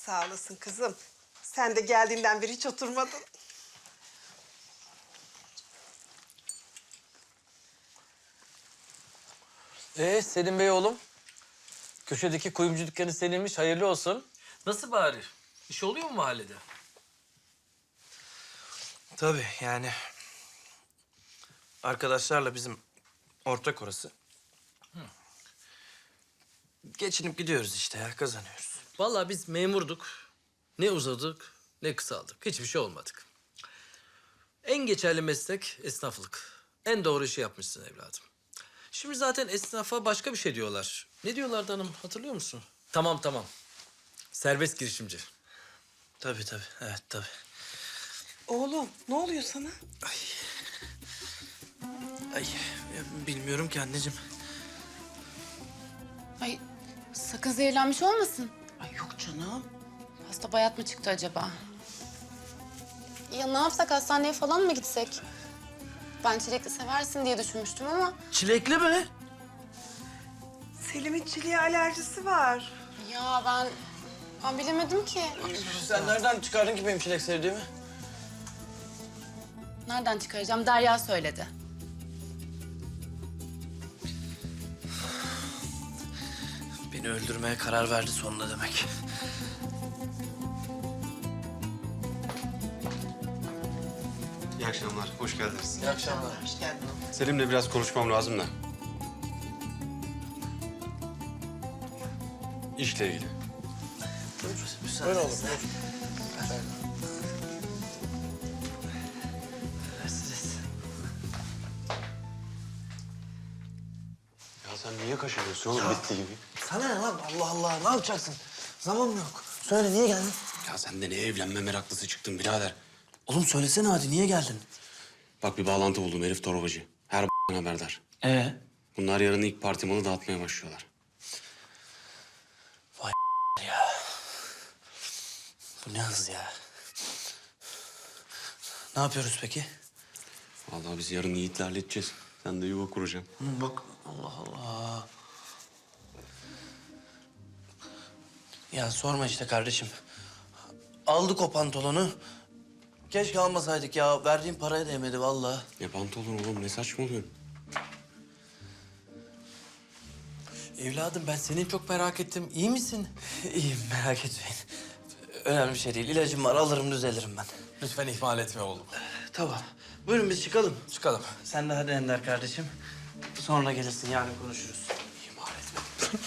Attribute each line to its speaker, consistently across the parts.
Speaker 1: Sağ olasın kızım. Sen de geldiğinden beri hiç oturmadın.
Speaker 2: Selim Bey oğlum. Köşedeki kuyumcu dükkanı seninmiş, hayırlı olsun. Nasıl bari? İş oluyor mu mahallede?
Speaker 3: Tabii yani arkadaşlarla bizim ortak orası. Geçinip gidiyoruz işte ya, kazanıyoruz.
Speaker 2: Vallahi biz memurduk. Ne uzadık, ne kısaldık. Hiçbir şey olmadık. En geçerli meslek esnaflık. En doğru işi yapmışsın evladım. Şimdi zaten esnafa başka bir şey diyorlar. Ne diyorlardı hanım, hatırlıyor musun? Tamam. Serbest girişimci.
Speaker 3: Tabii, evet tabii.
Speaker 1: Oğlum ne oluyor sana?
Speaker 3: Ay bilmiyorum ki anneciğim.
Speaker 4: Ay sakın zehirlenmiş olmasın.
Speaker 1: Ay yok canım.
Speaker 4: Hasta bayat mı çıktı acaba? Ya ne yapsak, hastaneye falan mı gitsek? Ben çilekli seversin diye düşünmüştüm ama...
Speaker 3: Çilekli mi?
Speaker 1: Selim'in çileğe alerjisi var.
Speaker 4: Ya ben bilemedim ki.
Speaker 3: Sen nereden çıkardın ki benim çilek sevdiğimi?
Speaker 4: Nereden çıkaracağım? Derya söyledi.
Speaker 3: Beni öldürmeye karar verdi sonunda demek.
Speaker 5: İyi akşamlar, hoş geldiniz.
Speaker 2: İyi akşamlar.
Speaker 1: Hoş geldin.
Speaker 5: Selim'le biraz konuşmam lazım da. İşle ilgili.
Speaker 3: Öyle olur.
Speaker 5: Ya sen niye kaşınıyorsun oğlum bitti gibi?
Speaker 3: Sana ne lan? Allah Allah, ne yapacaksın? Zaman mı yok? Söyle, niye geldin?
Speaker 5: Ya sen de ne evlenme meraklısı çıktın birader.
Speaker 3: Oğlum söylesene hadi, niye geldin?
Speaker 5: Bak bir bağlantı buldum herif torbacı. Her haberdar. Bunlar yarın ilk parti malı dağıtmaya başlıyorlar.
Speaker 3: Ya. Bu ne hız ya? Ne yapıyoruz peki?
Speaker 5: Vallahi biz yarın Yiğit'le halledeceğiz. Sen de yuva kuracaksın.
Speaker 3: Bak, Allah Allah. Ya sorma işte kardeşim. Aldık o pantolonu. Keşke almasaydık ya. Verdiğim paraya değmedi vallahi.
Speaker 5: Ne pantolon oğlum ne saçmalıyorsun?
Speaker 2: Evladım ben seni çok merak ettim. İyi misin?
Speaker 3: İyiyim, merak etmeyin. Önemli bir şey değil. İlacım var, alırım düzelirim ben.
Speaker 2: Lütfen ihmal etme oğlum.
Speaker 3: Tamam. Buyurun biz çıkalım.
Speaker 2: Çıkalım.
Speaker 3: Sen de hadi Ender kardeşim. Sonra gelirsin, yarın konuşuruz.
Speaker 5: İhmal etme.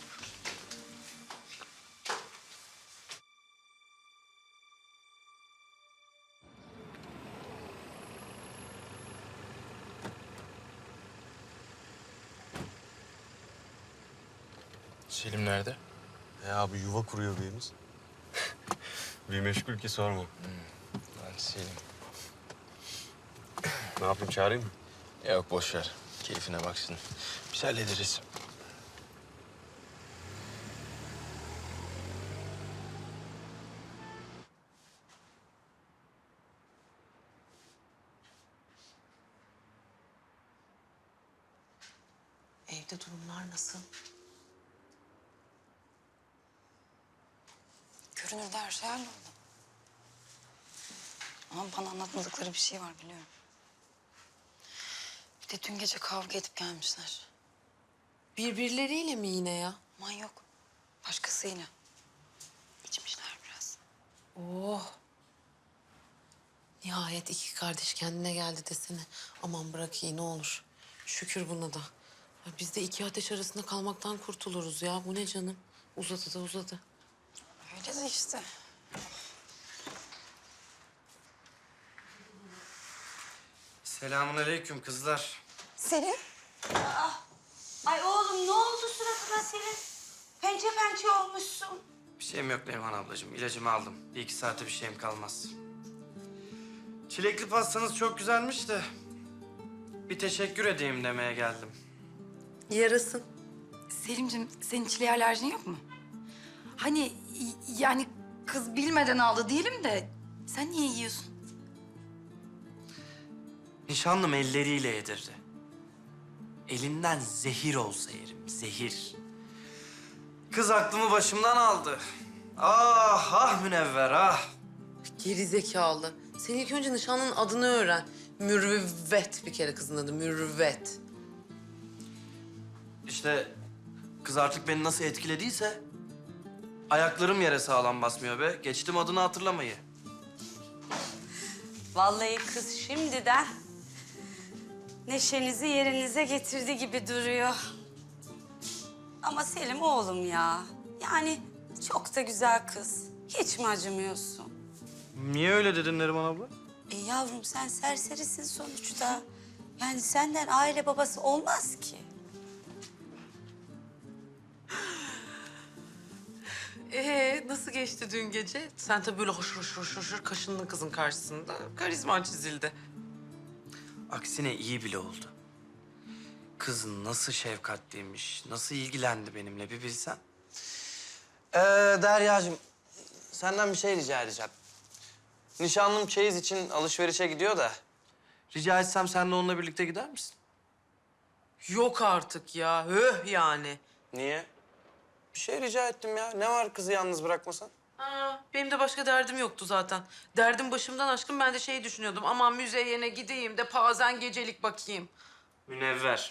Speaker 6: Selim nerede?
Speaker 5: Ya abi yuva kuruyor birimiz. Bir meşgul ki sorma.
Speaker 6: Lan Selim.
Speaker 5: Ne yapayım çağırayım mı?
Speaker 6: Yok boş ver. Keyfine baksın. Biz hallederiz.
Speaker 1: Evde durumlar nasıl?
Speaker 7: Görünürde her şey halloldu. Ama bana anlatmadıkları bir şey var biliyorum. Bir de dün gece kavga edip gelmişler.
Speaker 8: Birbirleriyle mi yine ya?
Speaker 7: Aman yok. Başkasıyla. İçmişler biraz.
Speaker 8: Oh. Nihayet iki kardeş kendine geldi desene. Aman bırak iyi ne olur. Şükür buna da. Ya biz de iki ateş arasında kalmaktan kurtuluruz ya. Bu ne canım? Uzadı da uzadı.
Speaker 7: Öyle de işte.
Speaker 3: Selamünaleyküm kızlar.
Speaker 7: Selim.
Speaker 9: Ay oğlum ne oldu suratına senin? Pençe pençe olmuşsun.
Speaker 3: Bir şeyim yok Neriman ablacığım. İlacımı aldım. Bir iki saate bir şeyim kalmaz. Çilekli pastanız çok güzelmiş de... bir teşekkür edeyim demeye geldim.
Speaker 8: Yarasın.
Speaker 7: Selimciğim senin çileğe alerjin yok mu? Hani yani kız bilmeden aldı diyelim de sen niye yiyorsun?
Speaker 3: Nişanlım elleriyle yedirdi. Elinden zehir olsa yerim, zehir. Kız aklımı başımdan aldı. Ah ah Münevver ah.
Speaker 8: Geri zekalı. Sen ilk önce nişanlının adını öğren. Mürüvvet bir kere kızın adı. Mürüvvet.
Speaker 3: İşte kız artık beni nasıl etkilediyse ayaklarım yere sağlam basmıyor be. Geçtim adını hatırlamayı.
Speaker 9: Vallahi kız şimdiden neşenizi yerinize getirdi gibi duruyor. Ama Selim oğlum ya. Yani çok da güzel kız. Hiç mi acımıyorsun?
Speaker 3: Niye öyle dedin Neriman abla?
Speaker 9: Yavrum sen serserisin sonuçta. Yani senden aile babası olmaz ki.
Speaker 8: Nasıl geçti dün gece? Sen tabii böyle hoşur kaşındın kızın karşısında. Karizman çizildi.
Speaker 3: Aksine iyi bile oldu. Kız nasıl şefkatliymiş, nasıl ilgilendi benimle bir bilsen. Deryacığım, senden bir şey rica edeceğim. Nişanlım çeyiz için alışverişe gidiyor da. Rica etsem sen de onunla birlikte gider misin?
Speaker 8: Yok artık ya. Höh yani.
Speaker 3: Niye? Bir şey rica ettim ya. Ne var kızı yalnız bırakmasan?
Speaker 8: Benim de başka derdim yoktu zaten. Derdim başımdan aşkın, ben de şey düşünüyordum. Aman müzeyene gideyim de pazen gecelik bakayım.
Speaker 3: Münevver.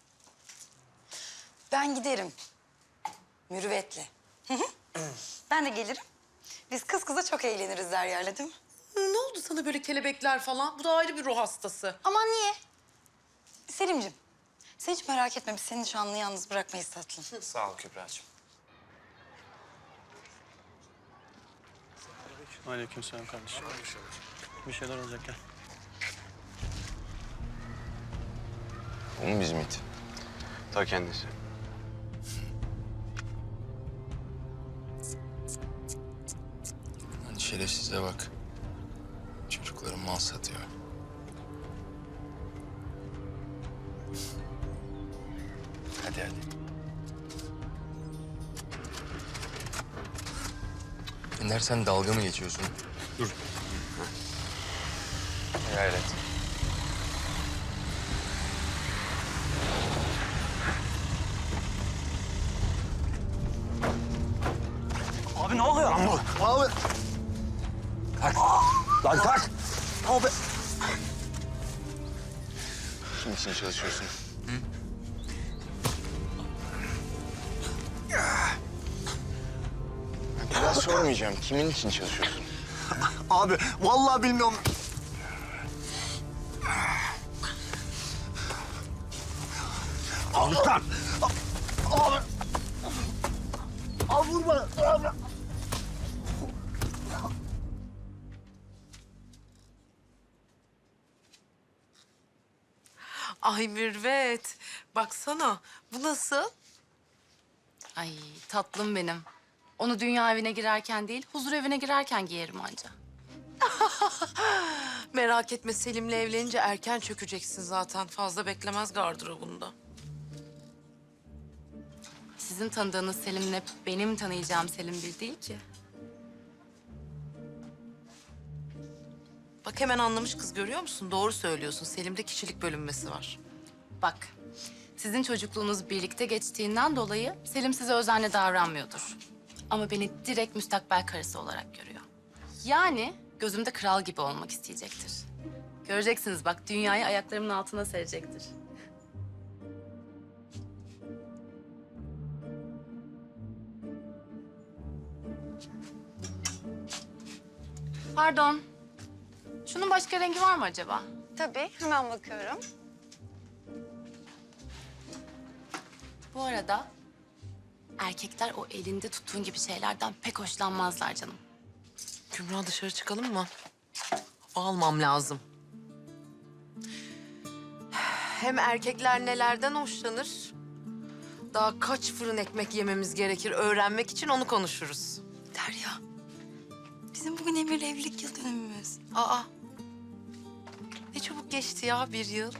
Speaker 7: Ben giderim. Mürüvvetle. Ben de gelirim. Biz kız kıza çok eğleniriz Derya'yla değil mi?
Speaker 8: Ne oldu sana böyle kelebekler falan? Bu da ayrı bir ruh hastası.
Speaker 7: Aman niye? Selimciğim, sen hiç merak etme. Biz seni nişanlını yalnız bırakmayız tatlım.
Speaker 3: Sağ ol Kübra'cığım.
Speaker 10: Aleykümselam kardeşim. Bir şeyler olacak gel.
Speaker 5: O mu bizim it? Ta kendisi.
Speaker 6: Hani şerefsize bak. Çocukları mal satıyor. Hadi hadi. Ender sen dalga mı geçiyorsun? Dur. Gayret.
Speaker 3: Abi ne oluyor?
Speaker 10: Abi.
Speaker 3: Kalk. Lan kalk. Abi.
Speaker 5: Kim için çalışıyorsun? Bir daha sormayacağım. Kimin için çalışıyorsun?
Speaker 10: Abi vallahi bilmiyorum. Abi kalk. Abi. Abi vurma. Abi.
Speaker 8: Ay Mürvet, baksana. Bu nasıl?
Speaker 4: Ay tatlım benim. Onu dünya evine girerken değil, huzur evine girerken giyerim anca.
Speaker 8: Merak etme, Selim'le evlenince erken çökeceksin zaten. Fazla beklemez gardırobunda.
Speaker 4: Sizin tanıdığınız Selim'le benim tanıyacağım Selim bir değil ki.
Speaker 8: Bak hemen anlamış kız, görüyor musun? Doğru söylüyorsun. Selim'de kişilik bölünmesi var.
Speaker 4: Bak, sizin çocukluğunuz birlikte geçtiğinden dolayı Selim size özenle davranmıyordur. Ama beni direkt müstakbel karısı olarak görüyor. Yani gözümde kral gibi olmak isteyecektir. Göreceksiniz bak, dünyayı ayaklarımın altına serecektir. Pardon. Şunun başka rengi var mı acaba?
Speaker 7: Tabii, hemen bakıyorum.
Speaker 4: Bu arada erkekler o elinde tuttuğun gibi şeylerden pek hoşlanmazlar canım.
Speaker 8: Kübra, dışarı çıkalım mı? Hava almam lazım. Hem erkekler nelerden hoşlanır? Daha kaç fırın ekmek yememiz gerekir öğrenmek için, onu konuşuruz.
Speaker 7: Derya, bizim bugün Emir'le evlilik yıl dönümümüz.
Speaker 8: Aa, ne çabuk geçti ya bir yıl.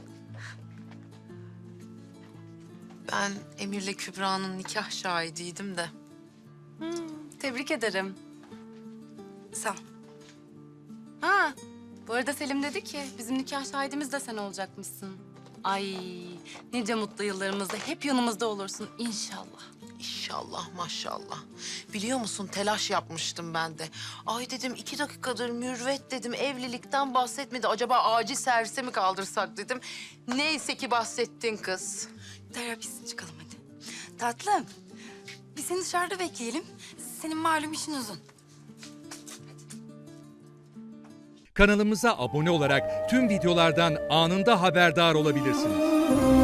Speaker 8: Ben Emir'le Kübra'nın nikah şahidiydim de.
Speaker 4: Tebrik ederim.
Speaker 7: Sağ ol.
Speaker 4: Ha, bu arada Selim dedi ki bizim nikah şahidimiz de sen olacakmışsın. Ay nice mutlu yıllarımızda hep yanımızda olursun inşallah.
Speaker 8: İnşallah maşallah. Biliyor musun telaş yapmıştım ben de. Ay dedim 2 dakikadır Mürvet dedim evlilikten bahsetmedi. Acaba acil servise mi kaldırsak dedim. Neyse ki bahsettin kız.
Speaker 7: Derya biz çıkalım hadi. Tatlım, biz seni dışarıda bekleyelim. Senin malum işin uzun.
Speaker 11: Kanalımıza abone olarak tüm videolardan anında haberdar olabilirsiniz.